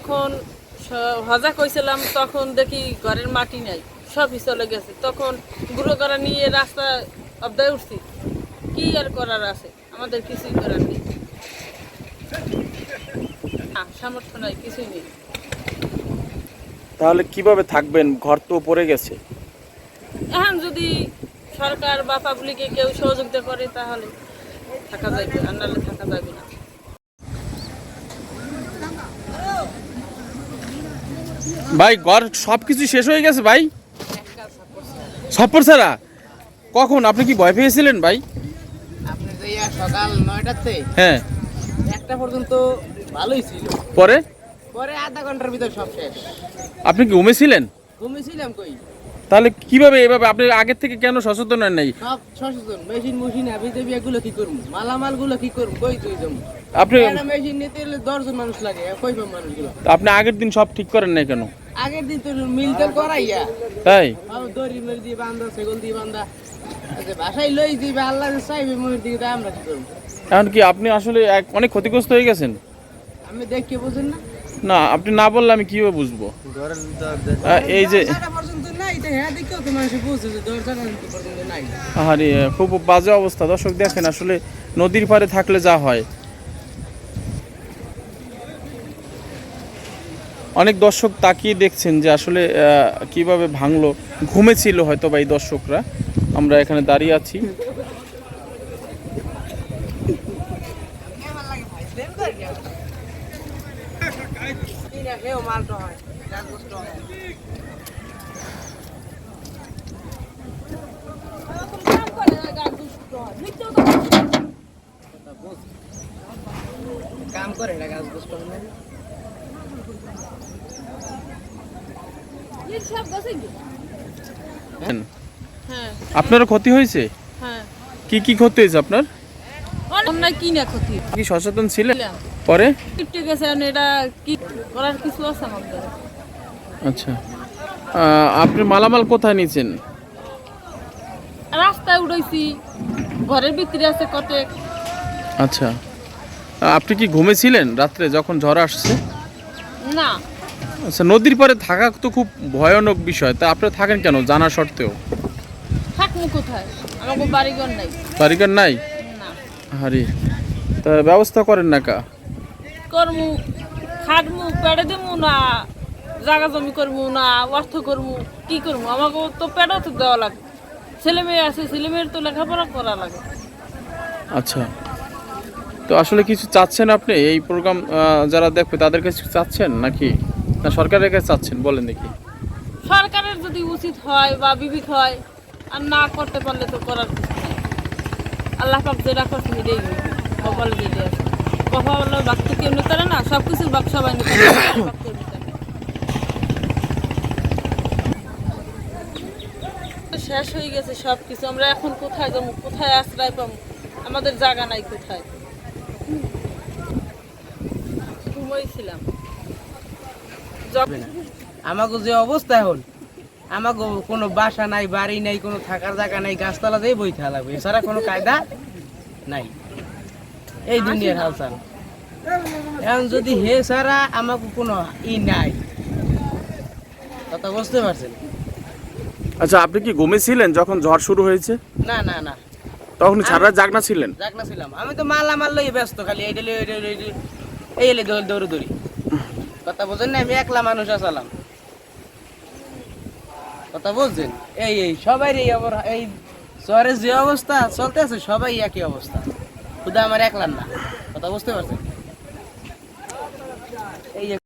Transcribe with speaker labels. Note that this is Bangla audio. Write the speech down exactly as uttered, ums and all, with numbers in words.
Speaker 1: যখন হজা কইছিলাম তখন দেখি ঘরের মাটি নাই, সবই চলে গেছে। তখন গুঁড়ো করা নিয়ে রাস্তা অবদায় উঠছি। কি আর করার আছে, আমাদের কিছুই করার নেই, সামর্থ্য নাই, কিছুই নেই।
Speaker 2: তাহলে কিভাবে থাকবেন? ঘর তো পড়ে গেছে।
Speaker 1: এখন যদি সরকার বা পাবলিকে কেউ সহযোগিতা করে তাহলে থাকা যাবে, আর নাহলে থাকা যাবে না।
Speaker 2: ভাই ঘর সবকিছু শেষ হয়ে গেছে ভাই, সপ্পর ছাড়া। কখন? আপনি কি ভয় পেয়েছিলেন ভাই?
Speaker 3: আপনি যে সকাল নয়টাতে
Speaker 2: হ্যাঁ,
Speaker 3: একটা পর্যন্ত ভালোই ছিল,
Speaker 2: পরে
Speaker 3: পরে আধা ঘন্টার ভিতর সব শেষ।
Speaker 2: আপনি কি ঘুমিয়েছিলেন?
Speaker 3: ঘুমিয়েছিলাম কই?
Speaker 2: তাহলে কিভাবে এভাবে? আপনি আগের থেকে কেন সচেতন হন নাই?
Speaker 3: সব সচেতন, মেশিন মেশিন হাবি দেবি এগুলো কি করবো, মালামাল গুলো কি করবো, কই তুই যাবো?
Speaker 2: আপনি
Speaker 3: একটা মেশিন নিতে গেলে দশজন মানুষ লাগে, কই পাবো মানুষগুলো?
Speaker 2: আপনি আগের দিন সব ঠিক করেন নাই কেন?
Speaker 3: আগের দিন তো মিলতে করাইয়া
Speaker 2: তাই
Speaker 3: দড়ি মেরে দিয়ে বান্ধা, সেগুল দিয়ে বান্ধা, আচ্ছা বাসায় লই দিবে, আল্লাহ চাইবে মনের দিকে, তাই আমরা কি করবো?
Speaker 2: এখন কি আপনি আসলে এক- অনেক ক্ষতিগ্রস্ত হয়ে গেছেন?
Speaker 3: আমি দেখে বুঝেন না,
Speaker 2: না, আপনি না বললে আমি কিভাবে বুঝবো? আহ, এই যে
Speaker 3: দরজা পর্যন্ত নাই, তো হ্যাঁ দেখেও তো মানুষ বুঝছে যে দরজা পর্যন্ত নাই।
Speaker 2: আরে খুব বাজে অবস্থা। দর্শক দেখেন, আসলে নদীর পাড়ে থাকলে যা হয়। অনেক দর্শক তাকিয়ে দেখছেন যে আসলে আহ, কিভাবে ভাঙলো। ঘুমেছিল হয়তো বা এই দর্শকরা। আমরা এখানে দাঁড়িয়ে আছি।
Speaker 3: কাম করে না, গাছ বুঝতে হবে না।
Speaker 1: হ্যাঁ
Speaker 2: আপনারও ক্ষতি হয়েছে?
Speaker 1: হ্যাঁ,
Speaker 2: কি কি ক্ষতি হয়েছে আপনার?
Speaker 1: অন্যায় কি না ক্ষতি,
Speaker 2: কি সচেতন ছিলেন পরে?
Speaker 1: কিপটে গেছে, এখন এটা কি করার কিছু আছে আমাদের?
Speaker 2: আচ্ছা, আহ, আপনি মালামাল কোথায় নিয়েছেন?
Speaker 1: রাস্তায় উড়াইছি, ঘরের ভিতরে আছে কতেক।
Speaker 2: আচ্ছা, আহ, আপনি কি ঘুমেছিলেন রাত্রে যখন ঝড় আসছে?
Speaker 1: না,
Speaker 2: আচ্ছা, নদীর পাড়ে থাকা তো খুব ভয়ানক বিষয়। তা আপনি থাকেন কেন জানা সত্ত্বেও?
Speaker 1: থাকবো কোথায়, আমাকে বাড়িঘর নাই।
Speaker 2: বাড়িঘর নাই?
Speaker 1: না,
Speaker 2: হারি, তা ব্যবস্থা করেন না কা?
Speaker 1: করমু, খাটমু, পেড়ে দেবো না, জায়গা জমি করবো না, অর্থ করবো, কি করবো? আমাকে তো পেড়ে তো দেওয়া লাগে, ছেলে মেয়ে আছে, ছেলে মেয়ের তো লেখাপড়া করা লাগে।
Speaker 2: আচ্ছা, তো আসলে কিছু চাচ্ছেন আপনি এই প্রোগ্রাম যারা দেখবে তাদের কাছে কিছু চাচ্ছেন নাকি না সরকারের কাছে চাচ্ছেন? বলেন দেখি।
Speaker 1: সরকারের যদি উচিত হয় বা বিবেক হয়, আর না করতে পারলে তো করার কিছু নেই। আল্লাহ পাক যেটা করছে এটাই কপালে যেটা আছে, কপালে বাক তো কেউ নিতে পারে না, সব কিছুর বাক সবাই নিতে পারে, আল্লাহ পাক কেউ নিতে পারে না। শেষ হয়ে গেছে সব কিছু, আমরা এখন কোথায় যাবো, কোথায় আশ্রয় পাবো? আমাদের জায়গা নাই কোথায়। ঘুমাইছিলাম।
Speaker 3: আমাকে যে অবস্থা এখন, আমাকে কোনো বাসা নাই, বাড়ি নাই, কোনো থাকার জায়গা নাই, গাছতলা দিয়ে বই থাকা লাগবে, এছাড়া কোনো কায়দা নাই এই দুনিয়ার হালচাল। এখন যদি হে ছাড়া আমাকে কোনো ই নাই, কথা বুঝতে পারছেন?
Speaker 2: আচ্ছা, আপনি কি ঘুমেছিলেন যখন ঝড় শুরু হয়েছে?
Speaker 3: না না না,
Speaker 2: তখন সারা রাত জাগনা ছিলেন?
Speaker 3: জাগনা ছিলাম। আমি তো মালা মাল লই ব্যস্ত, খালি এই ডেলি এই এলে দৌড় দৌড় দৌড়ি, কথা বোঝেন না? আমি একলা মানুষ আসালাম, কথা বুঝছেন? এই এই সবাই এই অবর- এই শহরের যে অবস্থা চলতে আছে, সবাই একই অবস্থা, শুধু আমার একলার না, কথা বুঝতে পারছেন? এই যে